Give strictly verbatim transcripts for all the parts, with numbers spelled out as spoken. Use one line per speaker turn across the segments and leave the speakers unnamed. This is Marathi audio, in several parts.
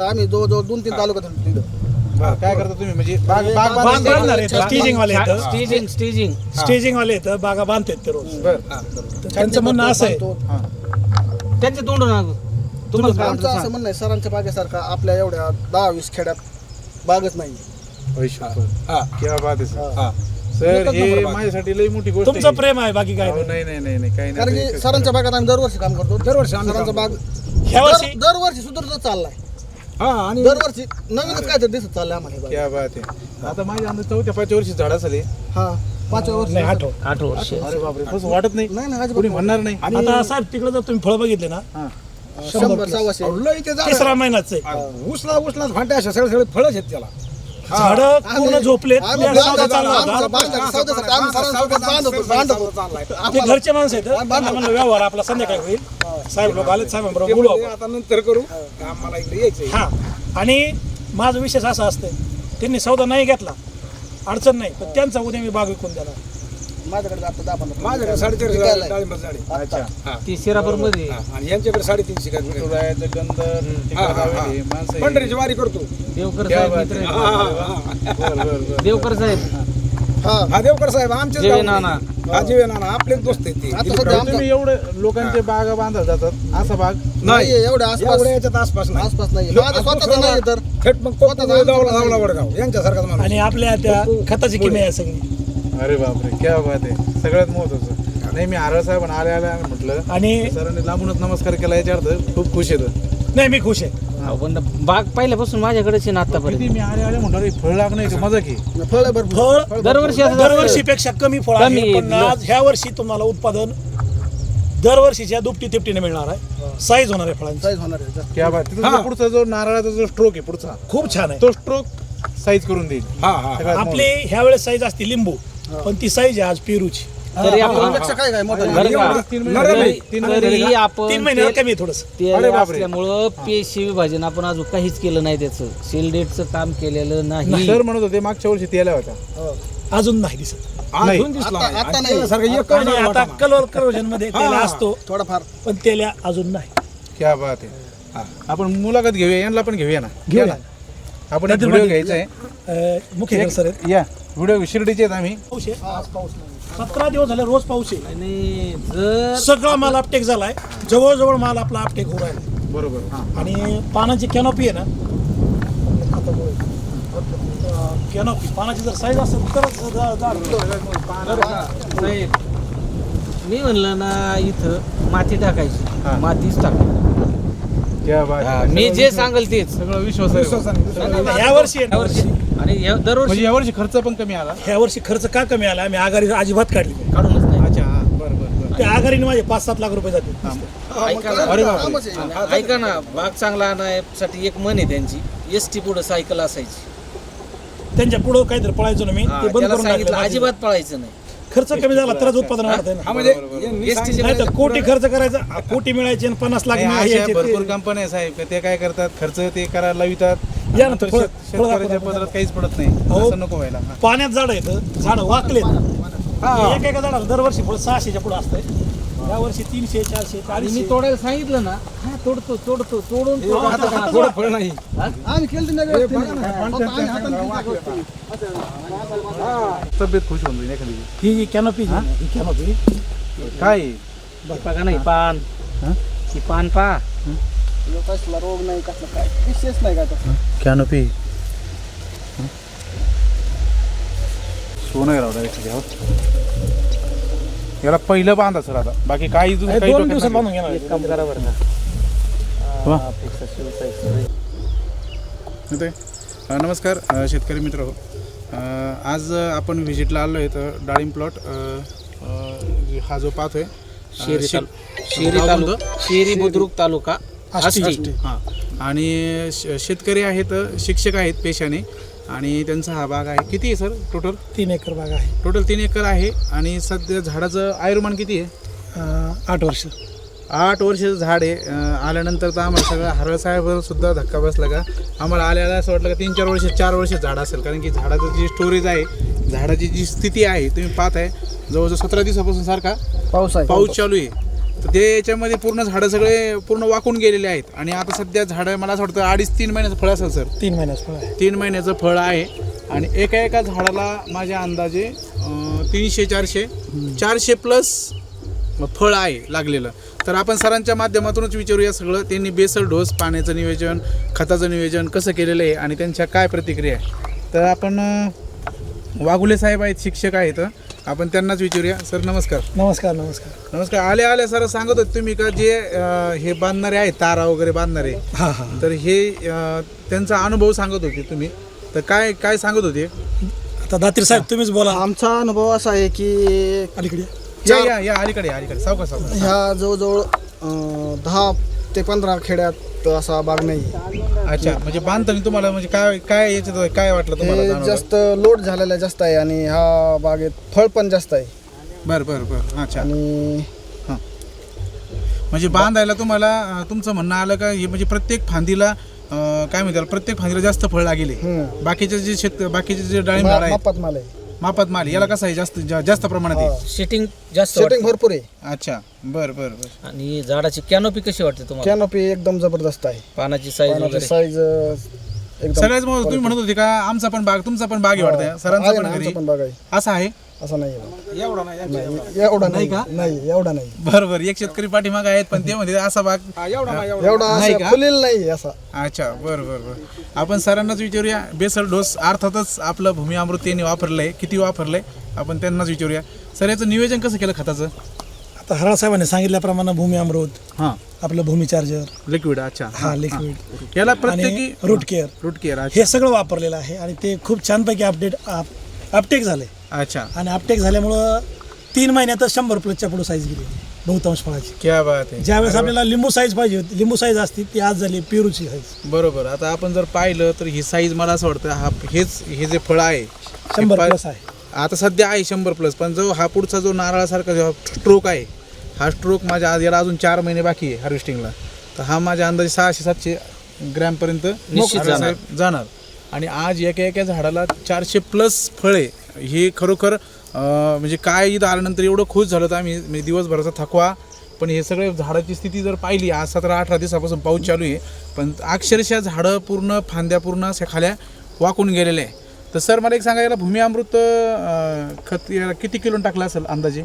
आम्ही जवळजवळ दोन तीन तालुक्यात तिथं
काय करता तुम्ही म्हणजे बाग बाग
बाग
बांधता?
बांधणार आहेत स्टेजिंग वाले आहेत
स्टेजिंग स्टेजिंग
स्टेजिंग वाले आहेत बागा बांधतात ते रोज
बरं.
त्यांचं म्हणणं असं आहे
हा.
त्यांचे तोंड ना तुम्हाला काय
आमचं
वाटतं
असं
सांग.
म्हणणं आहे सरांच्या बागेसारखा आपल्या एवढ्या दहा वीस खेड्यात बागच नाही.
क्या बात आहे सर.
हा.
सर
एकच
हे
नंबर बाग.
माझ्यासाठी लई मोठी गोष्ट
तुमचं
आहे.
प्रेम आहे बाकी काय
अहो,
नाही
नाही नाही नाही काही
कारण
नाही
की सरांच्या बागात आम्ही दरवर्षी काम करतो दरवर्षी सरांचा बाग
ह्या वर्षी
दर- दरवर्षी सुधारत चाललाय.
आणि
दरवर्षी नवीनच काय तर दिसत चाललंय आम्हाला हे बाग.
क्या बात आहे. आता माझ्या अंदाज चौथ्या पाचव्या वर्षी झाड असेल हे.
हा पाचव्या वर्षी
नाही आठव
आठ वर्ष
अरे बापरे तसं वाटत नाही
नाही नाही
कोणी
अजिबात
म्हणणार नाही.
आता साहेब तिकडे जर तुम्ही फळ बघितले ना
हा.
शंभर सव्वाशे
लय ते झाड
तिसरा महिनाच आहे
उसला उसला फाट्या अशा सगळे सगळे फळच आहेत त्याला.
झाड पूर्ण झोपलेत
आम्ही
या सौदा
बांधतो,
चालला
आमचा
होता
बांधतो, सौद्याचं काम सरांसोबत बांधतो, बांधतो.
ते
आम्हाला-
घरचे माणसं आहेत त्यांना म्हणलं व्यवहार आपला संध्याकाळी होईल साहेब लोक आले साहेबांबरोबर बोलू आपण.
आता नंतर करू आम्हाला इकडे यायचंय.
हा आणि माझं विशेष असं असतं त्यांनी सौदा नाही घेतला अडचण नाही पण त्यांचा उद्या मी बाग विकून द्याला
माझ्याकडे आता दहा पंधरा
माझ्याकडे साडेचारशे
विकायला
झाडे, डाळिंबाची झाडे.
अच्छा.
हा.
ती शिरापूर मध्ये
हा. आणि यांच्याकडे साडेतीनशे काय विकायला.
तुळायचं गंध
हा, हा, हा.
माणसं आहे.
पंढरीची वारी करतो.
देवकर
क्या
साहेब
बात
मित्र
आहे.
आहेत.
हा, हा, हा.
बरं, बरं, बरं.
देवकर साहेब
हा
हा देवकर साहेब आमचेच
जीवे
गावचे.
नाना.
हा जीवे नाना आपलेच दोस्त आहेत ते.
आता
दिलीप
सध्या
राव.
आमचा-
तुम्ही एवढं लोकांचे बागा बांधत जातात असा बाग
नाही
नाहीये, एवढ्या आसपास
एवढ्या याच्यात आसपास नाही.
आसपास नाही माझा स्वतःचा नाही तर
थेट मग कोकण दावला दावला वडगाव यांच्यासारखाच माणूस.
आणि आपल्या त्या खताची किमया आहे सगळी
अरे बापरे क्या बात आहे सगळ्यात महत्वाचं नाही मी आरळ साहेब आले आले आम्ही म्हटलं
आणि
सरांनी लांबूनच नमस्कार केला याच्या अर्थ खूप खुश येतं
नाही मी खुश आहे
अहो, पण बाग पहिल्यापासून माझ्याकडेच आहे ना
किती
आतापर्यंत
मी आले आले म्हटलं अरे फळ लागणं की मजा की
फळ आहे भरपूर
फळ
दरवर्षी असं
दरवर्षीपेक्षा कमी फळ
कमी
आहे पण
आहे.
आज ह्या वर्षी तुम्हाला उत्पादन दरवर्षीच्या दुपटी तिपटीने मिळणार आहे साईज होणार आहे फळांची
साईज होणार आहे
क्या बात तिथं
हा.
जो पुढचा जो नारळाचा जो स्ट्रोक आहे पुढचा
खूप छान आहे
तो स्ट्रोक साईज करून देईल
हा हा
सगळ्यात
आपली ह्या वेळेस साईज असते लिंबू पण ती साईज आहे आज पेरूची
तरी आपण
फळापेक्षा काय काय मोठा
बरं का?
तीन
नरम
महिने
आहे.
तीन महिने
तरी
झाले का?
आपण
तीन महिने
ते-
कमी आहे थोडस
ते
अरे बापरे.
असल्यामुळं पेशी विभाजन आपण अजून काहीच केलं नाही त्याचं सेल डेटचं काम केलेलं नाही
सर म्हणत होते मागच्या वर्षी तेला होता
अजून नाही दिसत
अजून दिसला
आता-
नाही.
आता
आणि
नाही.
त्याच्यासारखं एक
आणि
करोड
आता
वाटा
कलर करोजन मध्ये तेला असतो
थोडाफार
पण तेल्या अजून नाही
क्या बात आहे आपण मुलाखत घेऊया यांना पण घेऊया ना
घेऊया.
या ना. आपण एक व्हिडिओ घ्यायचा आहे
अं, मुख्य सर आहेत
या व्हिडिओ शिर्डीचे आहेत आम्ही
पाऊस आहे आज पाऊस नाही सतरा दिवस झाले रोज पाऊस आहे
आणि जर
सगळा माल आपटेक झालाय जवळजवळ माल आपला आपटेक होऊ राहिला
बरोबर हा
आणि पानाची कॅनॉपी आहे ना कॅनॉपी पानाची जर साईज असेल तरच झा- झाड
साहेब मी म्हणलं ना इथं माती टाकायची
हा.
मातीच टाक
क्या बात आहे.
मी जे सांगेल तेच
सगळं विश्वास आहे.
ह्या वर्षी आहे ना,
यावर्षी आणि या- दरवर्षी
म्हणजे यावर्षी खर्च पण कमी आला
ह्या वर्षी खर्च का कमी आला आम्ही आघाडी अजिबात काढली नाही.
काढूनच नाही
अच्छा हा बरं बरं बरं
त्या आघाडीने माझे पाच सात लाख रुपये जाते
ऐका ना
अरे बापरे.
कामच आहे.
ऐका ना बाग चांगला आणायसाठी एक मन आहे त्यांची एस टी पुढे सायकल असायची
त्यांच्या पुढं काहीतरी पळायचो ना मी
हा,
ते बंद
त्याला
करून
सांगितलं
टाकलं.
अजिबात पळायचं नाही
खर्च कमी झाला तरच उत्पादन वाढत आहे
हा
ना
म्हणजे
एस टी
नाही तर कोटी खर्च करायचा कोटी मिळायचे आणि पन्नास लाख
नाही,
मिळायचे
अशा
ते-
भरपूर कंपन्या साहेब ते काय करतात खर्च ते करायला लावितात
या ना,
नंतर
फळ-
शेत-
फळ
शेतकऱ्याच्या
दाखवा.
पदरात काहीच पडत नाही
अहो.
असं नको व्हायला हा.
पाण्यात झाड आहेत झाड वाकलेत एका एका झाडाला दरवर्षी फळ सहाशेच्या पुढे असतंय या वर्षी तीनशे चारशे
आणि
चारशे
मी तोडायला सांगितलं ना हा तोडतो तोडतो तोडून
हे बघा, आता का थोडं फळ नाही
आम्ही केलं नाही व्यवस्थित. फक्त आम्ही हाताने केलं.
तब्येत खुश होऊन जाईल एखादी
ही जी कॅनोपी ही कॅनोपी
काय
बघा नाही पान
हा?
ही पान पा
कसला रोग नाही कसला काय विशेष नाही काय तसं
कॅनोपी सोनं राव डायरेक्ट घ्यावं याला पहिलं बांधा सर आता बाकी काही दुसरं काही
दोन
डोक्यात
दिवसात
नाही.
बांधून घेणार
एक काम करा बरं
वा.
का अपेक्षा शिवसाई
येतोय? अ, नमस्कार अ, शेतकरी मित्र हो अ, आज अ, आपण व्हिजिटला आलो आहे तर डाळिंब प्लॉट अ, अ, हा जो पाहतोय अ,
शेरी
शे-
तालु- शेरी
गाव
तालुका
कोणतं?
शेरी बुद्रुक तालुका
आष्टी.
आष्टी.
हां आणि श- शेतकरी आहेत शिक्षक आहेत पेशाने आणि त्यांचा हा बाग आहे किती आहे सर टोटल
तीन एकर बाग आहे
टोटल तीन एकर आहे आणि सध्या झाडाचं आयुर्मान किती आहे
अं, आठ वर्ष
आठ वर्षाचं झाड आहे अं, आल्यानंतर तर आम्हाला सगळं हरळ साहेबांवर सुद्धा धक्का बसला का आम्हाला आल्याला असं वाटलं का तीन चार वर्ष चार वर्ष झाड असेल कारण की झाडाचं जी स्टोरेज आहे झाडाची जी स्थिती आहे तुम्ही पाहताय जवळजवळ सतरा दिवसापासून सारखा
पाऊस आहे
पाऊस चालू आहे तर ते याच्यामध्ये पूर्ण झाडं सगळे पूर्ण वाकून गेलेले आहेत आणि आता सध्या झाडं मला असं वाटतं अडीच तीन महिन्याचं फळ असेल सर.
तीन महिन्याच फळ आहे.
तीन महिन्याचं फळ आहे आणि एका एका झाडाला माझ्या अंदाजे अं, तीनशे चारशे चारशे प्लस फळ आहे लागलेलं. तर आपण सरांच्या माध्यमातूनच विचारूया सगळं, त्यांनी बेसल डोस, पाण्याचं नियोजन, खताचं नियोजन कसं केलेलं आहे आणि त्यांच्या काय प्रतिक्रिया आहे. तर आपण अं, वाघुले साहेब आहेत, शिक्षक आहेत, आपण त्यांनाच विचारूया. सर नमस्कार.
नमस्कार नमस्कार
नमस्कार. आले आले सर सांगत होते तुम्ही का जे अं, हे बांधणारे आहेत, तारा वगैरे बांधणारे,
हां हां
तर हे अं, त्यांचा अनुभव सांगत होते तुम्ही, तर काय काय सांगत होते.
आता दातीर साहेब तुम्हीच बोला.
आमचा अनुभव असा आहे की
अलीकडे
या या या अलीकडे या, अलीकडे सावकाश सावकाश.
ह्या जवळजवळ अं, दहा ते पंधरा खेड्यात असा बाग नाही.
अच्छा, म्हणजे बांधताना तुम्हाला म्हणजे काय काय याच्यात काय वाटलं तुम्हाला
हे
जाणवलं?
जास्त लोड झालेला जास्त आहे आणि ह्या बागेत फळ पण जास्त आहे.
बरं बरं बरं. अच्छा,
आणि
हां, म्हणजे बांधायला तुम्हाला अं, तुमचं म्हणणं आलं का हे म्हणजे प्रत्येक फांदीला अं, काय म्हणतात, प्रत्येक फांदीला जास्त फळ लागेले.
हम्म.
बाकीचे जे शेत बाकीचे जे डाळिंब झाड
मा-
आहेत
मापात माल आहे.
मापात माल, याला कसं आहे जास्त जा- जास्त प्रमाणात आहे.
सेटिंग जास्त
सेटिंग
वाटतं.
भरपूर आहे.
अच्छा, बरं बरं बरं.
आणि झाडाची कॅनोपी कशी वाटते तुम्हाला?
कॅनोपी एकदम जबरदस्त आहे.
पानाची साईज
पानाची
वगैरे
साईज एकदम
सगळ्याच मग तुम्ही म्हणत होते का आमचा पण बाग, तुमचा पण बाग आहे वाटतं, सरांचा
आहे
पण
ना,
घरी
आमचा पण बाग आहे.
असं आहे.
असं नाही आहे.
एवढा नाही
नाही, एवढा नाही नाही एवढा नाही
बरोबर, एक शेतकरी पाठीमाग आहेत पण ते म्हणते असा बाग.
हा, एवढा नाही एवढा
एवढा
नाही
असं
का?
फुलेल नाही असा.
अच्छा, बरं बरं बरं. आपण सरांनाच विचारूया. बेसल डोस अर्थातच आपलं भूमी अमृत त्यांनी वापरलं आहे, किती वापरलं आहे आपण त्यांनाच विचारूया. सर याचं नियोजन कसं केलं खताचं?
आता हराळ साहेबांनी सांगितल्याप्रमाणे भूमी अमृत,
हां,
आपलं भूमी चार्जर,
लिक्विड. अच्छा,
हा लिक्विड
याला
आणि
प्रत्येकी
रूट केअर,
रूट केअर.
हे सगळं वापरलेलं आहे आणि ते खूप छानपैकी अपडेट अपटेक झाले.
अच्छा,
आणि अपटेक झाल्यामुळं तीन महिन्यातच शंभर प्लसच्या पुढे साईज गेली बहुतांश फळाची.
क्या बात आहे.
ज्यावेळेस आपल्याला लिंबू साईज पाहिजे होती, लिंबू साईज असती, ती आज झाली पेरूची साईज.
बरोबर. आता आपण जर पाहिलं तर ही साईज मला असं वाटतं हा हेच हे जे फळ आहे
शंभर
हे
प्लस आहे.
आता सध्या आहे शंभर प्लस, पण जो हा पुढचा जो नारळासारखा जो स्ट्रोक आहे, हा स्ट्रोक माझ्या आज याला अजून चार महिने बाकी आहे हार्वेस्टिंगला, तर हा माझ्या अंदाजे सहाशे सातशे ग्रॅमपर्यंत
निश्चित
नारळ साहेब जाणार. आणि आज एका एका झाडाला चारशे प्लस फळे, हे खरोखर अं, म्हणजे काय इथं आल्यानंतर एवढं खुश झालं तर आम्ही, म्हणजे दिवसभराचा थकवा, पण हे सगळे झाडाची स्थिती जर पाहिली, आज सतरा अठरा दिवसापासून पाऊस चालू आहे, पण अक्षरशः झाडं पूर्ण फांद्या पूर्ण अशा खाल्या वाकून गेलेले आहे. तर सर मला एक सांगा, याला भूमी अमृत अं, खत याला किती किलो टाकलं असेल अंदाजे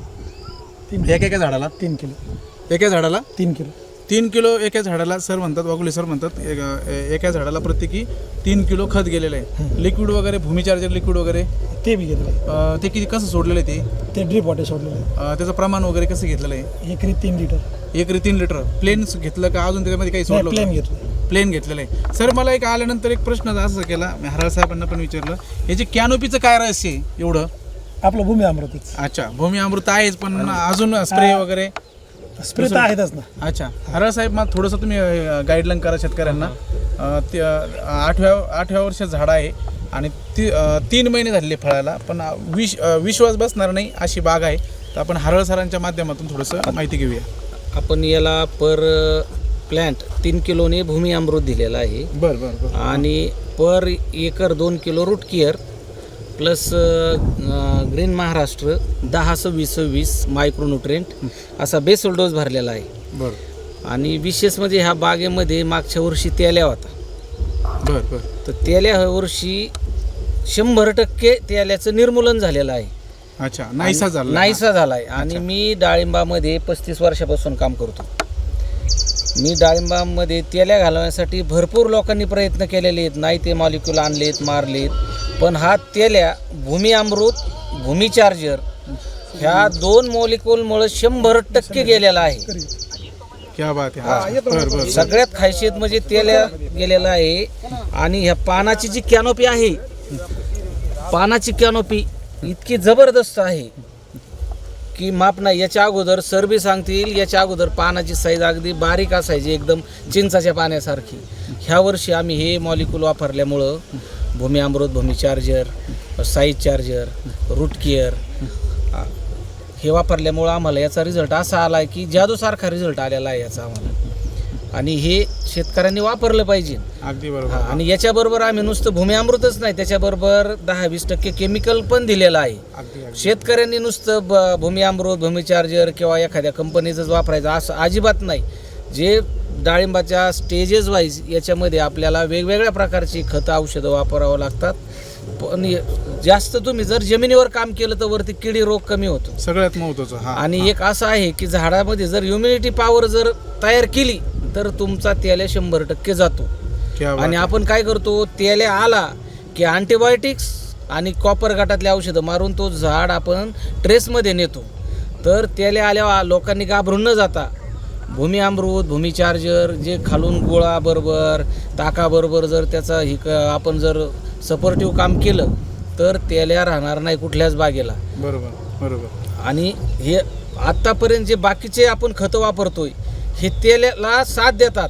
तीन
एका एका झाडाला?
तीन किलो
एका झाडाला
तीन किलो
तीन किलो एका झाडाला सर म्हणतात, वाघुले सर म्हणतात एका एका झाडाला प्रत्येकी तीन किलो खत गेलेलं आहे. लिक्विड वगैरे, भूमी चार्जर लिक्विड वगैरे
ते बी घेतलं.
अं, ते किती कसं सोडलेलं आहे ते?
ते ड्रीप वॉटर सोडलेलं
अं, त्याचं प्रमाण वगैरे कसं घेतलेलं आहे?
आहे. एकरी तीन लिटर
एक रे तीन लिटर प्लेन घेतलं का अजून त्याच्यामध्ये काही सोडलं
प्लेन
होतं?
घेतलं.
प्लेन घेतलेलं आहे. सर मला एक आल्यानंतर एक प्रश्न असं केला, मी हराळ साहेबांना पण विचारलं, याचे कॅनोपीचं काय रहस्य आहे एवढं?
आपलं भूमी अमृतच.
अच्छा, भूमी अमृत आहेच, पण अजून स्प्रे वगैरे?
स्प्रे तर आहेतच ना.
अच्छा, हराळ साहेब मग थोडंसं तुम्ही गाईडलाईन करा शेतकऱ्यांना. अं, ते, अं, आठव्या आठव्या वर्षात झाड आहे आणि ती अं, तीन महिने झालेले फळाला, पण विश अं, विश्वास बसणार नाही अशी बाग आहे. तर आपण हराळ सरांच्या माध्यमातून थोडंसं माहिती घेऊया.
आपण याला पर प्लॅन्ट तीन किलोने भूमी अमृत दिलेला आहे
बरं बरं बरं.
आणि पर एकर दोन kilo root care plus green Maharashtra दहा सव्वीस सव्वीस मायक्रोन्युट्रेंट असा बेसल डोस भरलेला आहे.
बरं
आणि विशेष म्हणजे ह्या बागेमध्ये मागच्या वर्षी तेल्या होता,
बरं बरं.
तर तेल्या ह्या वर्षी शंभर टक्के तेल्याचं निर्मूलन झालेलं आहे.
अच्छा, नाहीसा झाला.
नाहीसा झाला आहे. आणि मी डाळिंबामध्ये पस्तीस वर्षापासून काम करतो. मी डाळिंबामध्ये तेल्या घालवण्यासाठी भरपूर लोकांनी प्रयत्न केलेले आहेत, नाही ते मॉलिक्यूल आणलेत, मारलेत, पण हा तेल्या भूमी अमृत, भूमी चार्जर ह्या दोन मॉलिक्यूलमुळे शंभर टक्के गेलेला आहे.
क्या बात आहे. हा, बरं बरं.
सगळ्यात खासियत म्हणजे तेल्या गेलेला आहे. आणि ह्या पानाची जी कॅनोपी आहे, पानाची कॅनोपी इतकी जबरदस्त आहे की माप नाही. याच्या अगोदर सर बी सांगतील, याच्या अगोदर पानाची साईज अगदी बारीक असायची, एकदम चिंचाच्या पाण्यासारखी. ह्या वर्षी आम्ही हे मॉलिक्यूल वापरल्यामुळं Bhumi Amrut, Bhumi charger, size charger, root care हे वापरल्यामुळं आम्हाला याचा रिझल्ट असा आला आहे की जादूसारखा रिझल्ट आलेला आहे याचा आम्हाला. आणि हे शेतकऱ्यांनी वापरलं पाहिजे.
अगदी
हा,
बरोबर.
आणि याच्याबरोबर आम्ही नुसतं भूमी अमृतच नाही, त्याच्याबरोबर दहा वीस टक्के केमिकल पण दिलेलं आहे.
अगदी अगदी.
शेतकऱ्यांनी नुसतं ब भूमी अमृत भूमी चार्जर किंवा एखाद्या कंपनीचंच वापरायचं असं अजिबात नाही. जे डाळिंबाच्या स्टेजेस वाईज याच्यामध्ये आपल्याला वेगवेगळ्या प्रकारची खतं औषधं वापरावं लागतात. पण जास्त तुम्ही जर जमिनीवर काम केलं तर वरती किडी रोग कमी होतो.
सगळ्यात महत्वाचं. हा
आणि एक असं आहे की झाडामध्ये जर ह्युमिडिटी पॉवर जर तयार केली तर तुमचा तेल्या शंभर टक्के जातो.
क्या बात
आणि
आहे.
आपण काय करतो, तेल्या आला की अँटीबायोटिक्स आणि कॉपर गटातले औषधं मारून तो झाड आपण ट्रेसमध्ये नेतो. तर तेल्या आल्या लोकांनी घाबरून न जाता भूमी अमृत भूमी चार्जर जे खालून गोळाबरोबर ताकाबरोबर जर त्याचा ही क आपण जर सपोर्टिव्ह काम केलं तर तेल्या राहणार नाही कुठल्याच बागेला.
बरोबर बरोबर.
आणि हे आत्तापर्यंत जे बाकीचे आपण खतं वापरतोय हे तेल्याला साथ देतात,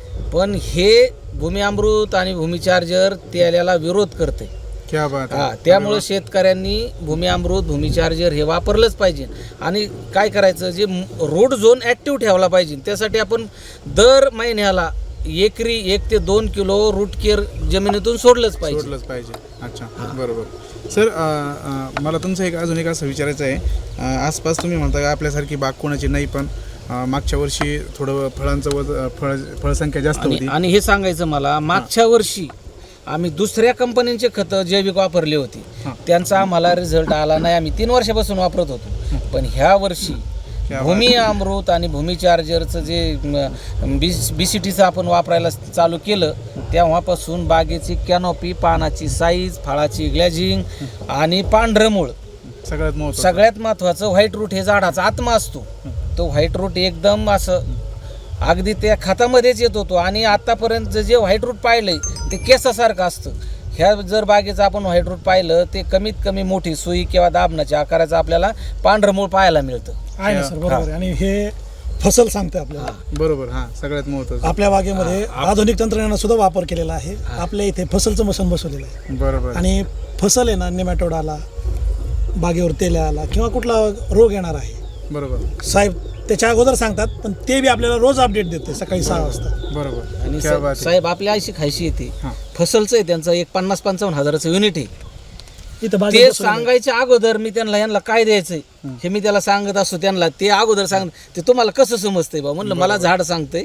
पण हे भूमी अमृत आणि भूमी चार्जर तेल्याला विरोध करते.
क्या बात
हा,
आहे.
त्यामुळे शेतकऱ्यांनी भूमी अमृत भूमी चार्जर हे वापरलंच पाहिजे. आणि काय करायचं, जे रोड झोन ॲक्टिव्ह ठेवला पाहिजे त्यासाठी आपण दर महिन्याला एकरी एक ते दोन किलो रूट केअर जमिनीतून सोडलंच पाहिजे.
सोडलंच पाहिजे. अच्छा बरोबर. सर अ, अ, मला तुमचं एक अजून एक असं विचारायचं आहे. अ, आसपास तुम्ही म्हणता का आपल्यासारखी बाग कोणाची नाही, पण अ, मागच्या वर्षी थोडं फळांचं वज फळ फळसंख्या जास्त
आणि
होती.
आणि हे सांगायचं मला, मागच्या वर्षी आम्ही दुसऱ्या कंपन्यांचे खतं जैविक वापरली होती,
हां.
त्यांचा आम्हाला रिझल्ट आला नाही. आम्ही तीन वर्षापासून वापरत होतो. पण ह्या वर्षी भूमी अमृत आणि भूमी चार्जरचं जे बी बी सी टीचं आपण वापरायला चालू केलं तेव्हापासून बागेची कॅनॉपी, पानाची साईज, फळाची ग्लॅजिंग आणि पांढरं मूळ,
सगळ्यात महत्त्वाचं.
सगळ्यात महत्त्वाचं व्हाईट रूट हे झाडाचा आत्मा असतो. तो व्हाईट रूट एकदम असं अगदी त्या खतामध्येच येत होतो. आणि आत्तापर्यंत जे व्हाईट रूट पाहिलंय ते केसासारखं असतं. ह्या जर बागेचं आपण व्हाईट रूट पाहिलं ते कमीत कमी मोठी सुई किंवा दाबणाच्या आकाराचं आपल्याला पांढरं मूळ पाहायला मिळतं.
आहे ना सर, बरोबर आहे. आणि हे फसल सांगते आपल्याला.
बरोबर. हा, सगळ्यात महत्त्वाचं.
आपल्या बागेमध्ये आधुनिक तंत्रज्ञानाचा सुद्धा वापर केलेला आहे. आपल्या इथे फसलचं मशीन बसवलेलं आहे.
बरोबर.
आणि फसल आहे ना, नेमॅटोड आला, बागेवर तेल्या आला किंवा कुठला रोग येणार आहे,
बरोबर
साहेब त्याच्या अगोदर सांगतात. पण ते बी आपल्याला रोज अपडेट देते सकाळी सहा वाजता.
बरोबर.
आणि
क्या बात आहे.
साहेब आपल्या अशी खायशी येते,
हां.
फसलचं आहे त्यांचं एक पन्नास पंचावन्न हजाराचं युनिट आहे.
इथं
ते
बागेत बसवलेलं आहे.
सांगायच्या अगोदर मी त्यांना यांना काय द्यायचंय हे मी त्याला सांगत असतो. त्यांना ते अगोदर सांग, ते तुम्हाला कसं समजतंय बा, म्हणलं मला झाड सांगतंय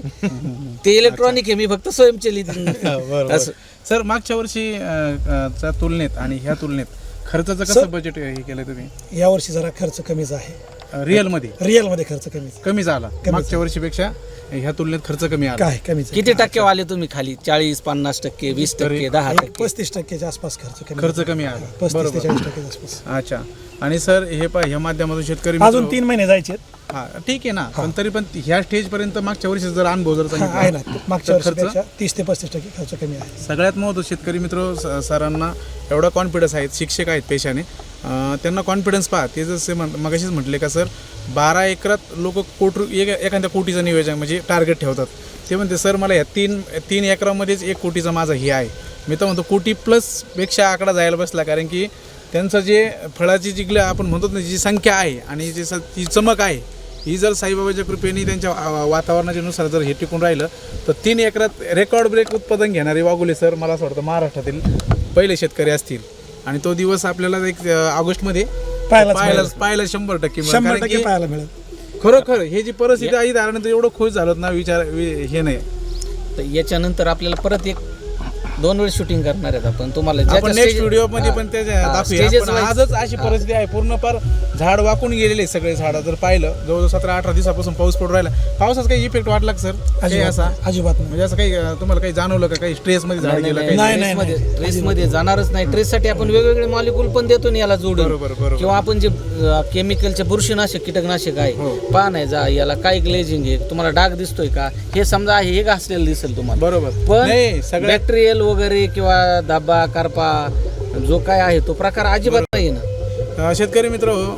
ते इलेक्ट्रॉनिक आहे, मी फक्त स्वयंचलित असं.
सर मागच्या वर्षी अ, अ, च्या तुलनेत आणि ह्या तुलनेत खर्चाचं कसं बजेट हे केलं तुम्ही?
यावर्षी जरा खर्च कमीच आहे.
रिअल मध्ये
रिअल मध्ये खर्च कमीच
कमी झाला. मागच्या वर्षीपेक्षा ह्या तुलनेत खर्च कमी आला.
काय कमीच आहे.
किती टक्के वाले तुम्ही खाली? चाळीस पन्नास टक्के वीस टक्के दहा
एक
टक्के
पस्तीस टक्क्याच्या आसपास खर्च कमी.
खर्च कमी आला.
पस्तीस ते
बरोबर.
चाळीस टक्क्याच्या आसपास.
अच्छा. आणि सर हे पा ह्या माध्यमातून शेतकरी
अजून
मित्र-
तीन महिने जायचे आहेत.
हा ठीक आहे ना, पण तरी पण ह्या स्टेज पर्यंत मागच्या वर्षी जर अनुभव जर
हा, आहे ना,
सांगितला
मागच्या
तर खर्च
वर्षीपेक्षा तीस ते पस्तीस टक्के खर्च कमी आहे.
सगळ्यात महत्त्वाचं शेतकरी मित्र स- सरांना एवढा कॉन्फिडन्स आहेत, शिक्षक आहेत पेशाने, अं, त्यांना कॉन्फिडन्स पहा. ते जसे म्हण मगाशीच म्हटले का सर, बारा एकरात लोक कोट एक एखाद्या कोटीचं नियोजन म्हणजे टार्गेट ठेवतात. ते म्हणते सर मला ह्या तीन तीन एकरामध्येच एक कोटीचा माझा हे आहे. मी तर म्हणतो कोटी प्लसपेक्षा आकडा जायला बसला, कारण की त्यांचं जे फळाची जी ग्ल आपण म्हणतो ना जी संख्या आहे आणि जी स जी चमक आहे ही जर साईबाबाच्या कृपेने त्यांच्या वा- वातावरणाच्या नुसार जर हे टिकून राहिलं तर तीन एकरात रेकॉर्ड ब्रेक उत्पादन घेणारे वाघोले सर मला असं वाटतं महाराष्ट्रातील पहिले शेतकरी असतील. आणि तो दिवस आपल्याला एक अं, ऑगस्टमध्ये
पाहायलाच
पाहायला
मिळेल.
पाहायला शंभर टक्के मिळेल.
शंभर
कारण
टक्के
की
पाहायला मिळेल.
खरोखर हे जी परिस्थिती आहे त्यानंतर एवढं खुश झालो ना, विचार वि- हे नाही.
तर याच्यानंतर आपल्याला परत एक दोन वेळ शूटिंग करणार आहेत आपण. तुम्हाला
आपण नेक्स्ट व्हिडिओ मध्ये पण ते दाखवूया. पण आजच अशी परिस्थिती आहे, पूर्ण फार झाड वाकून गेलेले सगळे झाड. जर पाहिलं जवळजवळ सतरा अठरा दिवसापासून पाऊस पडून राहिला. पावसाचा काही इफेक्ट वाटला का सर? काही
अजिबात
असा
अजिबात नाही.
म्हणजे असं काही अं, तुम्हाला काही जाणवलं का? काही स्ट्रेस मध्ये झाड गेलं काही?
नाही, नाही,
मध्ये
नाही.
ट्रेस मध्ये जाणारच नाही. ट्रेस साठी आपण वेगवेगळे मॉलिक्यूल पण देतो ना याला जोडून.
बरोबर बरोबर.
किंवा आपण जे केमिकलचे बुरशीनाशक कीटकनाशक आहे
हो.
पहा नाही जा याला काय ग्लेजिंग आहे, तुम्हाला डाग दिसतोय का, हे समजा हे घासलेलं दिसेल तुम्हाला.
बरोबर.
पण
नाही सगळ्यात
बॅक्टेरियल वगैरे किंवा धब्बा करपा जो काय आहे तो प्रकार अजिबात नाही ना.
अं, शेतकरी मित्र, अं,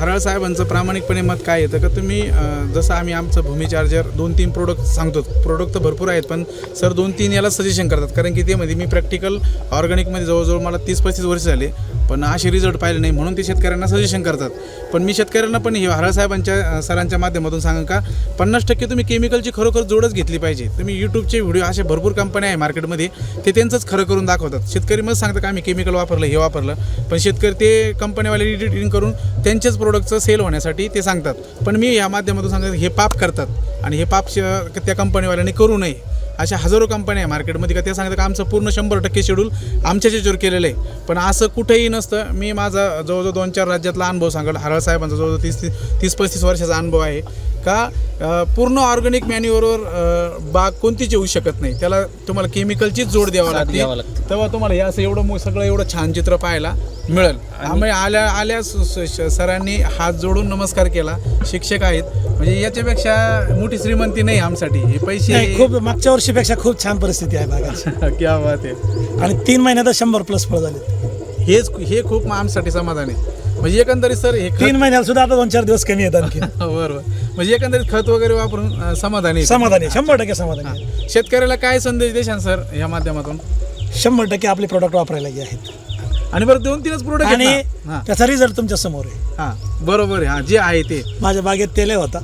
हराळ साहेबांचं प्रामाणिकपणे मत काय येतं का तुम्ही अं, जसं आम्ही आमचं भूमी चार्जर दोन तीन प्रोडक्ट सांगतो, प्रोडक्ट तर भरपूर आहेत पण सर दोन तीन याला सजेशन करतात, कारण की ते मध्ये मी प्रॅक्टिकल ऑर्गॅनिकमध्ये जवळजवळ मला तीस पस्तीस वर्ष झाले पण असे रिझल्ट पाहिले नाही, म्हणून ते शेतकऱ्यांना सजेशन करतात. पण मी शेतकऱ्यांना पण हे हराळ साहेबांच्या अं, सरांच्या माध्यमातून सांगा का पन्नास टक्के तुम्ही केमिकलची खरोखर जोडच घेतली पाहिजे. तुम्ही यूट्यूबचे व्हिडिओ असे भरपूर कंपन्या आहे मार्केटमध्ये, ते त्यांचंच खरं करून दाखवतात. शेतकरी मग सांगतात का आम्ही केमिकल वापरलं हे वापरलं, पण शेतकरी ते कंपनीवाले एडिटिंग करून त्यांच्याच प्रोडक्टचं सेल होण्यासाठी ते सांगतात. पण मी या माध्यमातून सांगतात हे पाप करतात आणि हे पाप श- त्या कंपनीवाल्यांनी करू नये. अशा हजारो कंपन्या आहे मार्केटमध्ये का ते सांगतात का आमचं पूर्ण शंभर टक्के शेड्यूल आमच्याच याच्यावर केलेलं आहे, पण असं कुठेही नसतं. मी माझा जवळजवळ दोन चार राज्यातला अनुभव सांगेल. हराळ साहेबांचा जवळजवळ तीस तीस पस्तीस वर्षाचा अनुभव आहे का अ, पूर्ण ऑर्गॅनिक मॅन्युअरवर बाग कोणतीच येऊ शकत नाही, त्याला तुम्हाला केमिकलचीच जोड द्यावा
साथ द्यावा
लागते,
लागते.
तेव्हा तुम्हाला हे असं एवढं मो- सगळं एवढं छान चित्र पाहायला मिळेल. आम्ही आल्या आल्या स- स- श- सरांनी हात जोडून नमस्कार केला. शिक्षक आहेत म्हणजे याच्यापेक्षा मोठी श्रीमंती नाही आमसाठी. हे पैसे
नाही, खूप मागच्या वर्षीपेक्षा खूप छान परिस्थिती आहे बागाची
क्या बात आहे.
आणि तीन महिन्यात शंभर प्लस फळ झाले.
हेच हे खूप आमच्यासाठी समाधान आहे. म्हणजे एकंदरीत सर हे खत
तीन महिन्यात सुद्धा आता दोन चार दिवस कमी येतात आणखी.
बरोबर, म्हणजे एकंदरीत खत वगैरे वापरून अं, समाधानी आहे.
समाधानी शंभर टक्के समाधानी
हां. शेतकऱ्याला काय संदेश देशान सर या माध्यमातून?
शंभर टक्के आपले प्रोडक्ट वापरायला गे आहेत
आणि बरं दोन तीनच प्रोडक्ट
आणि
हां
त्याचा रिझल्ट तुमच्या समोर आहे.
हां बरोबर आहे. हां जे आहे ते
माझ्या बागेत तेले होता,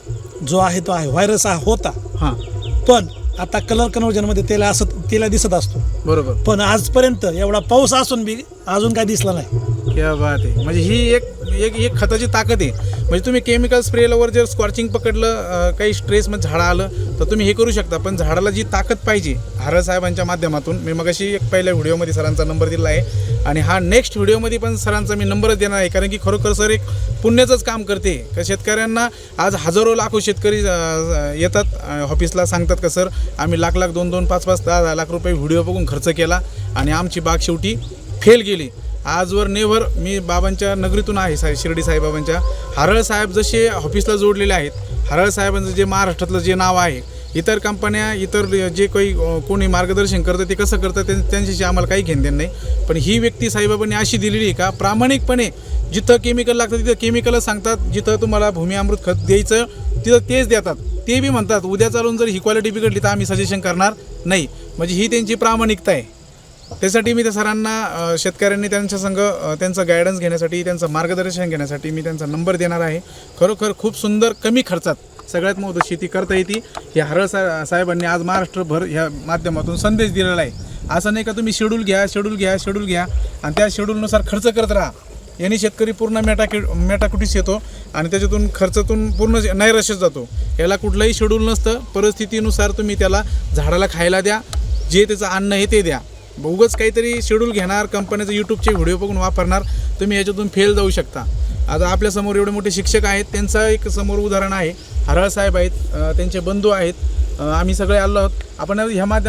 जो आहे तो आहे. व्हायरस हा होता,
हां
पण आता कलर कन्वर्जनमध्ये तेला असं तेला दिसत असतो,
बरोबर.
पण आजपर्यंत एवढा पाऊस असून बी अजून काय दिसला नाही.
क्या बात आहे. म्हणजे ही एक एक एक खताची ताकद आहे. म्हणजे तुम्ही केमिकल स्प्रेवर जर स्कॉर्चिंग पकडलं, अं, काही स्ट्रेसमध्ये झाडं आलं तर तुम्ही हे करू शकता, पण झाडाला जी ताकद पाहिजे हराळ साहेबांच्या माध्यमातून मी मगाशी एक पहिल्या व्हिडिओमध्ये सरांचा नंबर दिला आहे आणि हा नेक्स्ट व्हिडिओमध्ये पण सरांचा मी नंबरच देणार आहे, कारण की खरोखर सर एक पुण्याचंच काम करते. का शेतकऱ्यांना आज हजारो लाखो शेतकरी अं, येतात अं, ऑफिसला, सांगतात का सर आम्ही लाख लाख दोन दोन पाच पाच दहा दहा लाख रुपये व्हिडिओ बघून खर्च केला आणि आमची बाग शेवटी फेल गेली. आजवर नेव्हर मी बाबांच्या नगरीतून आहे, साहेब शिर्डी साईबाबांच्या. हराळ साहेब जसे ऑफिसला जोडलेले आहेत, हराळ साहेबांचं जे महाराष्ट्रातलं जे नाव आहे, इतर कंपन्या इतर जे काही अ, कोणी मार्गदर्शन करतं ते कसं करतं ते त्यांच्याशी आम्हाला काही घेणदेण नाही, पण ही व्यक्ती साईबाबांनी अशी दिलेली आहे का प्रामाणिकपणे जिथं केमिकल लागतं तिथं केमिकलच सांगतात, जिथं तुम्हाला भूमी अमृत खत द्यायचं तिथं तेच देतात. ते बी म्हणतात उद्या चालून जर ही क्वालिटी बिघडली तर आम्ही सजेशन करणार नाही. म्हणजे ही त्यांची प्रामाणिकता आहे. त्यासाठी मी त्या सरांना अ, शेतकऱ्यांनी त्यांच्या संग अ, त्यांचं गायडन्स घेण्यासाठी, त्यांचं मार्गदर्शन घेण्यासाठी मी त्यांचा नंबर देणार आहे. खरोखर खूप सुंदर कमी खर्चात सगळ्यात महत्त्वाची शेती करता येते. हे हराळ सा साहेबांनी आज महाराष्ट्रभर ह्या माध्यमातून संदेश दिलेला आहे. असं नाही का तुम्ही शेड्यूल घ्या शेड्यूल घ्या शेड्यूल घ्या आणि त्या शेड्यूलनुसार खर्च करत राहा. यांनी शेतकरी पूर्ण मेटाकि मेटाकुटीस येतो आणि त्याच्यातून खर्चातून पूर्ण नैराश्यात जातो. याला कुठलंही शेड्यूल नसतं. परिस्थितीनुसार तुम्ही त्याला झाडाला खायला द्या, जे त्याचं अन्न आहे ते द्या. उगाच काहीतरी शेड्यूल घेणार, कंपनीचं यूट्यूबचे व्हिडिओ बघून वापरणार, तुम्ही याच्यातून फेल जाऊ शकता. आता आपल्यासमोर एवढे मोठे शिक्षक आहेत, त्यांचं एक समोर उदाहरण आहे. हराळ साहेब आहेत, अ, त्यांचे बंधू आहेत, अ, आम्ही सगळे आलो आहोत. आपण ह्या माध्यमात